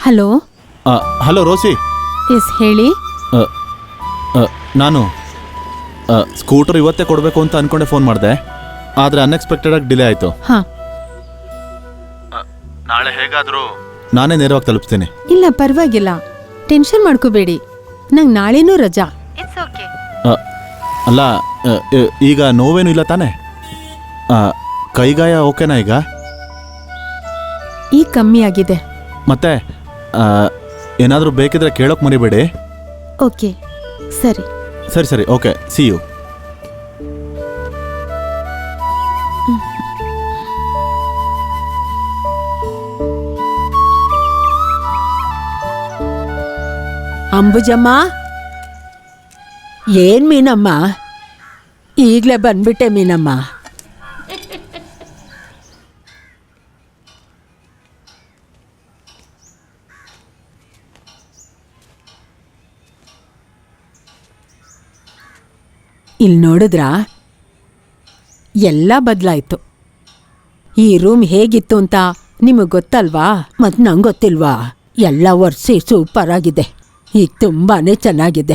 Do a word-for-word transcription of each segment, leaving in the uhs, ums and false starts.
Hello hello ರೋಸಿ. S ಹೇಳಿ. ನಾನು scooter ಇವತ್ತೇ ಕೊಡಬೇಕು ಅಂತ ಅನ್ಕೊಂಡೆ ಫೋನ್ ಮಾಡಿದೆ, ಆದರೆ ಅನ್ಎಕ್ಸ್ಪೆಕ್ಟೆಡ್ ಆಗಿ ಡಿಲೇ ಆಯಿತು. ಹಾಂ, ನಾಳೆ ಹೇಗಾದರೂ ನಾನೇ ನೇರವಾಗಿ ತಲುಪಿಸ್ತೀನಿ. ಇಲ್ಲ ಪರವಾಗಿಲ್ಲ, ಟೆನ್ಷನ್ ಮಾಡ್ಕೋಬೇಡಿ, ನಂಗೆ ನಾಳೆನೂ ರಜಾ. It's okay. ಅಲ್ಲ, ಈಗ ನೋವೇನು ಇಲ್ಲ ತಾನೇ? ಕೈಗಾಯ ಓಕೆನಾ ಈಗ? ಈಗ ಕಮ್ಮಿ ಆಗಿದೆ. ಮತ್ತೆ ಏನಾದರೂ ಬೇಕಿದ್ರೆ ಕೇಳೋಕೆ ಮರಿಬೇಡಿ. ಓಕೆ, ಸರಿ ಸರಿ ಸರಿ ಓಕೆ, ಸಿ ಯು. ಅಂಬುಜಮ್ಮ, ಏನ್ ಮೀನಮ್ಮ, ಈಗಲೇ ಬಂದ್ಬಿಟ್ಟೆ ಮೀನಮ್ಮ. ಇಲ್ಲಿ ನೋಡಿದ್ರಾ, ಎಲ್ಲ ಬದಲಾಯ್ತು. ಈ ರೂಮ್ ಹೇಗಿತ್ತು ಅಂತ ನಿಮಗೆ ಗೊತ್ತಲ್ವಾ? ಮತ್ತು ನಂಗೆ ಗೊತ್ತಿಲ್ವಾ? ಎಲ್ಲ ಒರೆಸಿ ಸೂಪರ್ ಆಗಿದೆ. ಈಗ ತುಂಬಾನೇ ಚೆನ್ನಾಗಿದೆ.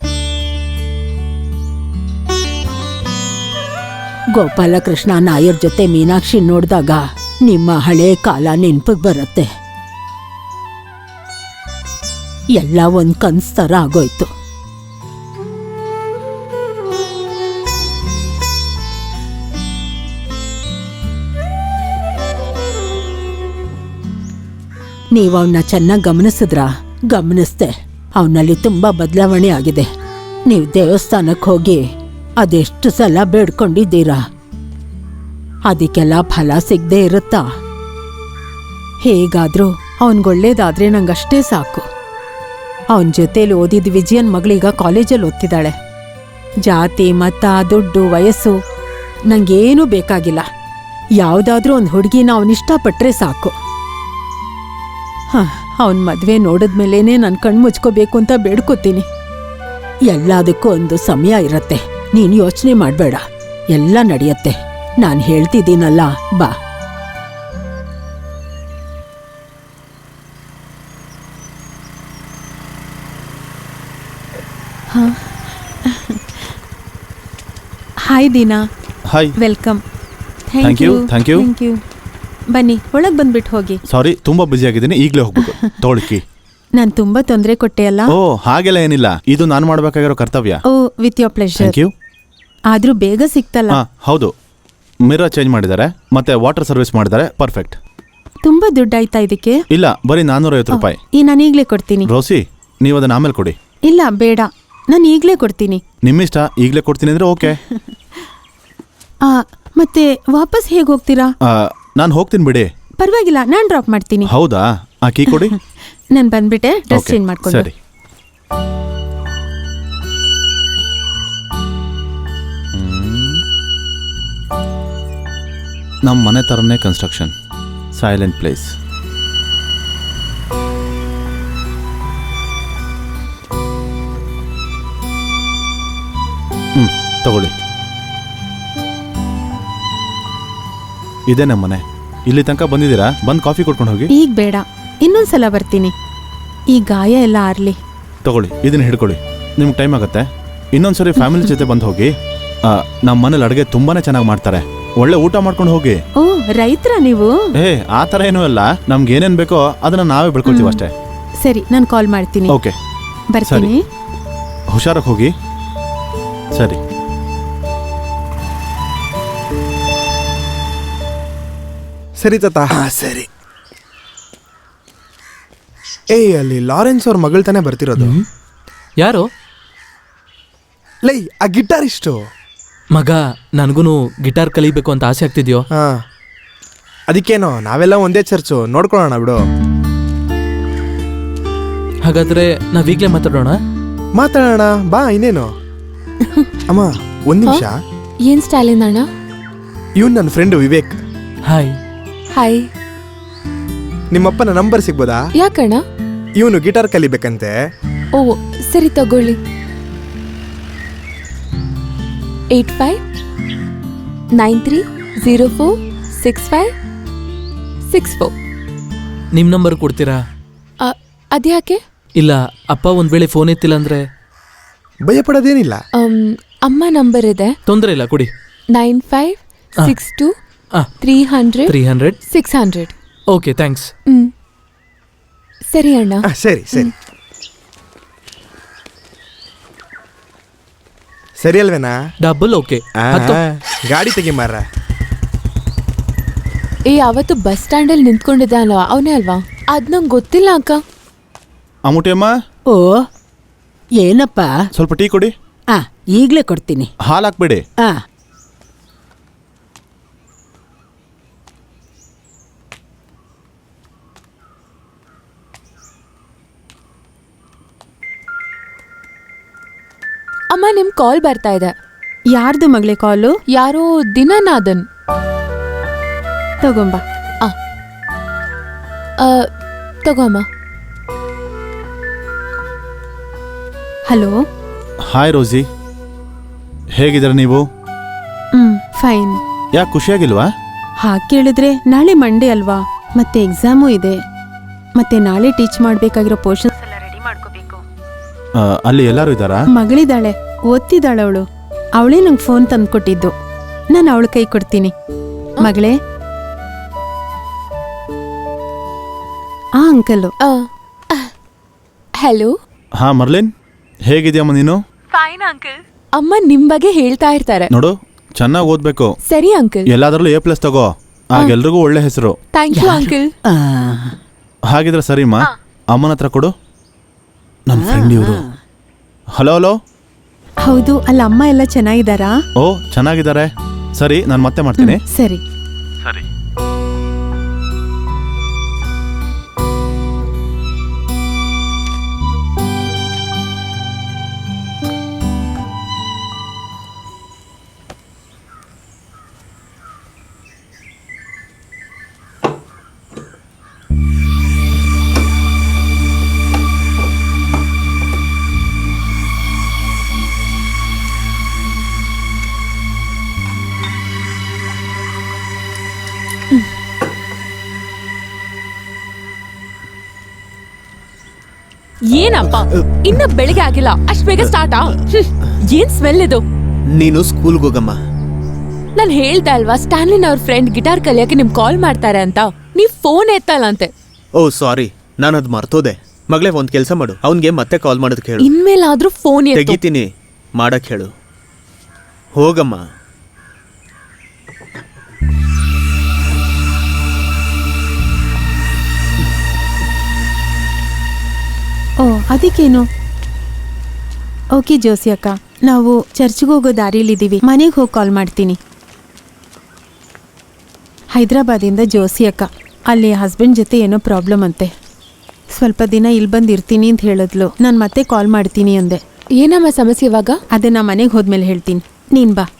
ಗೋಪಾಲಕೃಷ್ಣ ನಾಯರ್ ಜೊತೆ ಮೀನಾಕ್ಷಿ ನೋಡಿದಾಗ ನಿಮ್ಮ ಹಳೆ ಕಾಲ ನೆನಪಿಗೆ ಬರುತ್ತೆ. ಎಲ್ಲ ಒಂದು ಕನ್ಸ್ ಥರ ಆಗೋಯ್ತು. ನೀವು ಅವನ್ನ ಚೆನ್ನಾಗಿ ಗಮನಿಸಿದ್ರಾ? ಗಮನಿಸ್ದೆ, ಅವನಲ್ಲಿ ತುಂಬಾ ಬದಲಾವಣೆ ಆಗಿದೆ. ನೀವು ದೇವಸ್ಥಾನಕ್ಕೆ ಹೋಗಿ ಅದೆಷ್ಟು ಸಲ ಬೇಡ್ಕೊಂಡಿದ್ದೀರಾ? ಅದಕ್ಕೆಲ್ಲ ಫಲ ಸಿಗದೆ ಇರುತ್ತಾ? ಹೇಗಾದ್ರೂ ಅವನಿಗೊಳ್ಳೇದಾದ್ರೆ ನಂಗಷ್ಟೇ ಸಾಕು. ಅವನ ಜೊತೇಲಿ ಓದಿದ ವಿಜಯನ್ ಮಗಳೀಗ ಕಾಲೇಜಲ್ಲಿ ಓದ್ತಿದ್ದಾಳೆ. ಜಾತಿ, ಮತ, ದುಡ್ಡು, ವಯಸ್ಸು ನಂಗೇನೂ ಬೇಕಾಗಿಲ್ಲ. ಯಾವುದಾದ್ರೂ ಒಂದು ಹುಡುಗಿನ ಅವನಿಷ್ಟಪಟ್ರೆ ಸಾಕು. ಹಾಂ, ಅವನ ಮದುವೆ ನೋಡಿದ್ಮೇಲೇನೆ ನಾನು ಕಣ್ಣು ಮುಚ್ಕೋಬೇಕು ಅಂತ ಬೇಡ್ಕೋತೀನಿ. ಎಲ್ಲದಕ್ಕೂ ಒಂದು ಸಮಯ ಇರತ್ತೆ, ನೀನು ಯೋಚನೆ ಮಾಡಬೇಡ, ಎಲ್ಲ ನಡೆಯತ್ತೆ. ನಾನು ಹೇಳ್ತಿದ್ದೀನಲ್ಲ, ಬಾ. ಹಾಂ, hi Deena. Hi, welcome. Thank you thank you thank you. ಬನ್ನಿ, ಒಳಗೆ ಬಂದ್ಬಿಟ್ಟು ಹೋಗಿ. ಸಾರಿ, ತುಂಬಾ ಬ್ಯುಸಿ ಆಗಿದ್ದೀನಿ, ಈಗಲೇ ಹೋಗ್ಬೇಕು. ತೋಳಿಕಿ. ನಾನು ತುಂಬಾ ತೊಂದರೆ ಕೊಟ್ಟೆ ಅಲ್ಲ? ಓ, ಹಾಗೆಲ್ಲ ಏನಿಲ್ಲ, ಇದು ನಾನು ಮಾಡಬೇಕಾಗಿರೋ ಕರ್ತವ್ಯ. ಓ, with your pleasure. Thank you. ಆದ್ರೂ ಬೇಗ ಸಿಕ್ತಲ್ಲ? ಹಾಂ ಹೌದು, ಮಿರರ್ ಚೇಂಜ್ ಮಾಡಿದ್ದಾರೆ, ಮತ್ತೆ ವಾಟರ್ ಸರ್ವಿಸ್ ಮಾಡಿದ್ದಾರೆ. ಪರ್ಫೆಕ್ಟ್. ತುಂಬಾ ದುಡ್ಡಾಯ್ತಾ ಇದಕ್ಕೆ? ಇಲ್ಲ, ಬರೀ ನಾನ್ನೂರೈವತ್ತು ರೂಪಾಯಿ. ಈ ನಾನು ಈಗಲೇ ಕೊಡ್ತೀನಿ. ರೋಸಿ, ನೀವು ಅದನ್ನ ಆಮೇಲೆ ಕೊಡಿ. ಇಲ್ಲ ಬೇಡ, ನಾನು ಈಗಲೇ ಕೊಡ್ತೀನಿ. ನಿಮ್ಮಿಷ್ಟ, ಈಗಲೇ ಕೊಡ್ತೀನಿ ಅಂದ್ರೆ ಓಕೆ. ಆ, ಮತ್ತೆ ವಾಪಸ್ ಹೇಗೆ ಹೋಗ್ತೀರಾ? ನಾನು ಹೋಗ್ತೀನಿ ಬಿಡಿ. ಪರವಾಗಿಲ್ಲ, ನಾನು ಡ್ರಾಪ್ ಮಾಡ್ತೀನಿ. ಹೌದಾ? ಆ ಕೀ ಕೊಡಿ. ನಾನು ಬಂದ್ಬಿಟ್ಟೆ, ಡ್ರೆಸ್ ಚೇಂಜ್ ಮಾಡ್ಕೊಂಡು. ಸರಿ. ನಮ್ಮ ಮನೆ ಥರನೇ ಕನ್ಸ್ಟ್ರಕ್ಷನ್, ಸೈಲೆಂಟ್ ಪ್ಲೇಸ್. ಹ್ಞೂ ತಗೊಳ್ಳಿ, ಇದೇ ನಮ್ಮ ಮನೆ. ಇಲ್ಲಿ ತನಕ ಬಂದಿದ್ದೀರಾ? ಬಂದು ಕಾಫಿ ಕೊಡ್ಕೊಂಡು ಹೋಗಿ. ಈಗ ಬೇಡ, ಇನ್ನೊಂದ್ಸಲ ಬರ್ತೀನಿ. ಈ ಗಾಯ ಎಲ್ಲ ಆರ್ಲಿ. ತಗೊಳ್ಳಿ, ಇದನ್ನ ಹಿಡ್ಕೊಳ್ಳಿ, ನಿಮ್ಗೆ ಟೈಮ್ ಆಗುತ್ತೆ. ಇನ್ನೊಂದ್ಸರಿ ಫ್ಯಾಮಿಲಿ ಜೊತೆ ಬಂದು ಹೋಗಿ. ನಮ್ಮ ಮನೇಲಿ ಅಡುಗೆ ತುಂಬಾನೇ ಚೆನ್ನಾಗಿ ಮಾಡ್ತಾರೆ, ಒಳ್ಳೆ ಊಟ ಮಾಡ್ಕೊಂಡು ಹೋಗಿ. ಓ, ರೈತರ ನೀವು? ಏ, ಆ ಥರ ಏನೂ ಅಲ್ಲ, ನಮ್ಗೆ ಏನೇನು ಬೇಕೋ ಅದನ್ನ ನಾವೇ ಬೆಳ್ಕೊಳ್ತೀವಿ ಅಷ್ಟೇ. ಸರಿ, ನಾನು ಕಾಲ್ ಮಾಡ್ತೀನಿ. ಓಕೆ, ಬರ್ತೀನಿ. ಹುಷಾರಾಗಿ ಹೋಗಿ. ಸರಿ. ಸರಿ ತಾತ. ಸರಿ. ಏಯ್, ಅಲ್ಲಿ ಲಾರೆನ್ಸ್ ಅವ್ರ ಮಗಳು ತಾನೇ ಬರ್ತಿರೋದು? ಯಾರು? ಲೈ, ಆ ಗಿಟಾರ್ ಇಷ್ಟು ಮಗ. ನನಗೂ ಗಿಟಾರ್ ಕಲಿಬೇಕು ಅಂತ ಆಸೆ ಆಗ್ತಿದ್ಯೋ? ಹಾ, ಅದಕ್ಕೇನೋ, ನಾವೆಲ್ಲ ಒಂದೇ ಚರ್ಚು, ನೋಡ್ಕೊಳ್ಳೋಣ ಬಿಡು. ಹಾಗಾದ್ರೆ ನಾವೀಗ್ಲೇ ಮಾತಾಡೋಣ. ಮಾತಾಡೋಣ ಬಾ, ಇನ್ನೇನು. ಅಮ್ಮ, ಒಂದ್ ನಿಮಿಷ. ಏನ್ ಸ್ಟಾಲಿನ್ ಅಣ್ಣ? ಇವನ್ ನನ್ನ ಫ್ರೆಂಡ್ ವಿವೇಕ್. ಹಾಯ್. ಹಾಯ್. ನಿಮ್ಮಪ್ಪನ ನಂಬರ್ ಸಿಗ್ಬೋದಾ? ಯಾಕಣ್ಣ? ಇವನು ಗಿಟಾರ್ ಕಲಿಬೇಕಂತೆ. ಓ, ಸರಿ ತಗೊಳ್ಳಿ. Eight five nine three zero four six five six four. ನಿಮ್ಮ ನಂಬರ್ ಕೊಡ್ತೀರಾ? ಅದ್ಯಾಕೆ? ಇಲ್ಲ ಅಪ್ಪ ಒಂದ್ ವೇಳೆ ಫೋನ್ ಎತ್ತಿಲ್ಲ ಅಂದ್ರೆ ಭಯ ಪಡೋದೇನಿಲ್ಲ. ಅಮ್, ಅಮ್ಮ ನಂಬರ್ ಇದೆ ತೊಂದರೆ ಇಲ್ಲ ಕೊಡಿ. ನೈನ್ ಫೈವ್ ಸಿಕ್ಸ್ ಟು ಆ, three hundred three hundred six hundred. Okay thanks. Hmm ಸರಿ ಅಣ್ಣ. ಆ, ಸರಿ ಸರಿ ಸರಿ ಅಲ್ವೇನಾ? Double okay. ಆ, ಹತ್ತು. ಗಾಡಿ ತೆಗಿ ಮಾರ. ಏ ಅವತ್ತು ಬಸ್ ಸ್ಟ್ಯಾಂಡ್ ಅಲ್ಲಿ ನಿಂತ್ಕೊಂಡಿದ್ದ ಅಲ್ವಾ, ಅವನೇ ಅಲ್ವಾ? ಅದ್ ನಂಗೆ ಗೊತ್ತಿಲ್ಲ ಅಕ್ಕ. ಅಮ್ಮುಟಿ ಅಮ್ಮ, ಓ ಏನಪ್ಪ? ಸ್ವಲ್ಪ ಟೀ ಕೊಡಿ. ಆ ಈಗ್ಲೇ ಕೊಡ್ತೀನಿ. ಹಾಲು ಹಾಕ್ಬೇಡಿ. ಆ ಅಮ್ಮ ನಿಮ್ ಕಾಲ್ ಬರ್ತಾ ಇದೆ. ಯಾರ್ದು ಮಗಳೇ ಕಾಲು? ಯಾರೋ ದಿನನಾದನ್. ತಗೊಂಬ. ಆ, ತಗೋ ಅಮ್ಮ. ಹಲೋ. ಹಾಯ್ ರೋಸಿ, ಹೇಗಿದ್ದೀರ ನೀವು? Hmm fine. ಯಾಕೆ ಖುಷಿಯಾಗಿಲ್ವಾ? ಹಾಗೆ ಕೇಳಿದ್ರೆ ನಾಳೆ ಮಂಡೇ ಅಲ್ವಾ, ಮತ್ತೆ ಎಕ್ಸಾಮು ಇದೆ, ಮತ್ತೆ ನಾಳೆ ಟೀಚ್ ಮಾಡ್ಬೇಕಾಗಿರೋ ಪೋರ್ಷನ್ಸ್ ಎಲ್ಲ ರೆಡಿ ಮಾಡ್ಕೋಬೇಕು. ಆ, ಅಲ್ಲಿ ಎಲ್ಲರೂ ಇದ್ದಾರಾ? ಮಗಳಿದ್ದಾಳೆ, ಓದ್ತಿದ್ದಾಳೆ ಅವಳು. ಅವಳೇ ನಂಗೆ ಫೋನ್ ತಂದ್ಕೊಟ್ಟಿದ್ದು. ನಾನು ಅವಳ ಕೈ ಕೊಡ್ತೀನಿ. ಮಗಳೇ. ಆ ಅಂಕಲು. ಹಲೋ. ಹಾ ಮರ್ಲಿನ್, ಹೇಗಿದ್ಯಮ್ಮ ನೀನು? Fine uncle. ಅಮ್ಮ ನಿಮ್ ಬಗ್ಗೆ ಹೇಳ್ತಾ ಇರ್ತಾರೆ. ನೋಡು, ಚೆನ್ನಾಗಿ ಓದ್ಬೇಕು. ಸರಿ ಅಂಕಲ್. ಎಲ್ಲಾದ್ರಲ್ಲೂ ಎ ಪ್ಲಸ್ ತಗೋ, ಆಗ ಎಲ್ರಿಗೂ ಒಳ್ಳೆ ಹೆಸರು. Thank you uncle. ಆ, ಹಾಗಿದ್ರೆ ಸರಿಮ್ಮ, ಅಮ್ಮನ ಹತ್ರ ಕೊಡು. ನನ್ನ ಫ್ರೆಂಡ್ ಇವರು. Hello hello. ಹೌದು, ಅಲ್ಲ ಅಮ್ಮ ಎಲ್ಲ ಚೆನ್ನಾಗಿದ್ದಾರಾ? ಓ ಚೆನ್ನಾಗಿದ್ದಾರೆ. ಸರಿ, ನಾನು ಮತ್ತೆ ಮಾಡ್ತೀನಿ. ಸರಿ. ಸರಿ. ಏನಪ್ಪ ಇನ್ನ ಬೆಳಿಗ್ಗೆ ಆಗಿಲ್ಲ, ಅಷ್ಟ್ ಬೇಗ ಸ್ಟಾರ್ಟಾ? ಏನ್ ಸ್ಮೆಲ್ ಇದು? ನೀನು ಸ್ಕೂಲ್ಗೆ ಹೋಗಮ್ಮ. ನಾನ್ ಹೇಳ್ದೆ ಅಲ್ವಾ, ಸ್ಟ್ಯಾನ್ಲಿನ್ ಅವ್ರ ಫ್ರೆಂಡ್ ಗಿಟಾರ್ ಕಲಿಯಕ್ಕೆ ನಿಮ್ ಕಾಲ್ ಮಾಡ್ತಾರೆ ಅಂತ. ನೀವ್ ಫೋನ್ ಎತ್ತಲ್ಲಂತೆ. ಓ ಸಾರಿ, ನಾನು ಅದು ಮರ್ತೋದೆ. ಮಗಳೇ ಒಂದ್ ಕೆಲಸ ಮಾಡು, ಅವನ್ಗೆ ಮತ್ತೆ ಕಾಲ್ ಮಾಡೋದಕ್ಕೆ ಹೇಳು. ಇನ್ಮೇಲಾದ್ರೂ ಫೋನ್ ಎತ್ತು. ತೆಗಿತೀನಿ, ಮಾಡಕ್ ಹೇಳು. ಹೋಗಮ್ಮ. ಓ ಅದಕ್ಕೇನು? ಓಕೆ ಜೋಸಿ ಅಕ್ಕ, ನಾವು ಚರ್ಚ್ಗೆ ಹೋಗೋ ದಾರಿಲಿದ್ದೀವಿ. ಮನೆಗೆ ಹೋಗಿ ಕಾಲ್ ಮಾಡ್ತೀನಿ. ಹೈದ್ರಾಬಾದಿಂದ ಜೋಸಿ ಅಕ್ಕ. ಅಲ್ಲಿ ಹಸ್ಬೆಂಡ್ ಜೊತೆ ಏನೋ ಪ್ರಾಬ್ಲಮ್ ಅಂತೆ. ಸ್ವಲ್ಪ ದಿನ ಇಲ್ಲಿ ಬಂದು ಇರ್ತೀನಿ ಅಂತ ಹೇಳಿದ್ಲು. ನಾನು ಮತ್ತೆ ಕಾಲ್ ಮಾಡ್ತೀನಿ ಅಂದೆ. ಏನಮ್ಮ ಸಮಸ್ಯೆ ಇವಾಗ? ಅದೇ ನಾ ಮನೆಗೆ ಹೋದ್ಮೇಲೆ ಹೇಳ್ತೀನಿ. ನೀನು ಬಾ.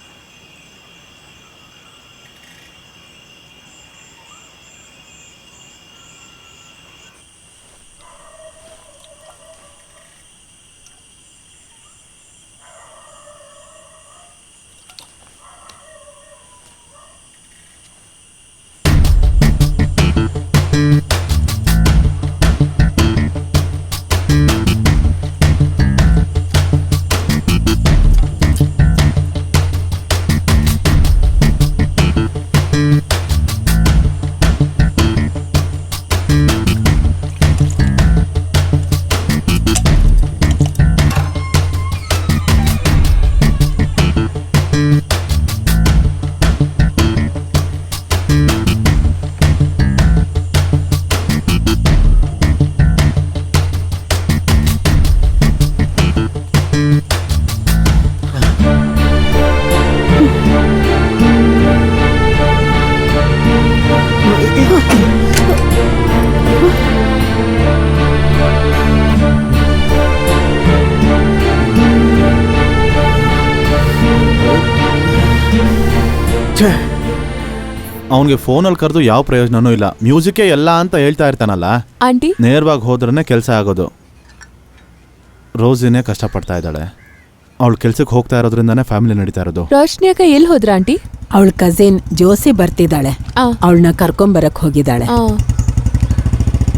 ಅವನಿಗೆ ಫೋನಲ್ಲಿ ಕರೆದು ಯಾವ ಪ್ರಯೋಜನನೂ ಇಲ್ಲ. ಮ್ಯೂಸಿಕ್ಕೇ ಎಲ್ಲ ಅಂತ ಹೇಳ್ತಾ ಇರ್ತಾನಲ್ಲ. ಆಂಟಿ ನೇರವಾಗಿ ಹೋದ್ರೇ ಕೆಲಸ ಆಗೋದು. ರೋಸಿನೇ ಕಷ್ಟಪಡ್ತಾ ಇದ್ದಾಳೆ. ಅವಳು ಕೆಲ್ಸಕ್ಕೆ ಹೋಗ್ತಾ ಇರೋದ್ರಿಂದಾನೇ ಫ್ಯಾಮಿಲಿ ನಡೀತಾ ಇರೋದು. ರೋಶ್ನಿ ಅಕ್ಕ ಎಲ್ಲಿ ಹೋದ್ರ ಆಂಟಿ? ಅವಳ ಕಸಿನ್ ಜೋಸಿ ಬರ್ತಿದ್ದಾಳೆ, ಆ. ಅವಳನ್ನ ಕರ್ಕೊಂಬರಕ್ ಹೋಗಿದ್ದಾಳೆ. ಆ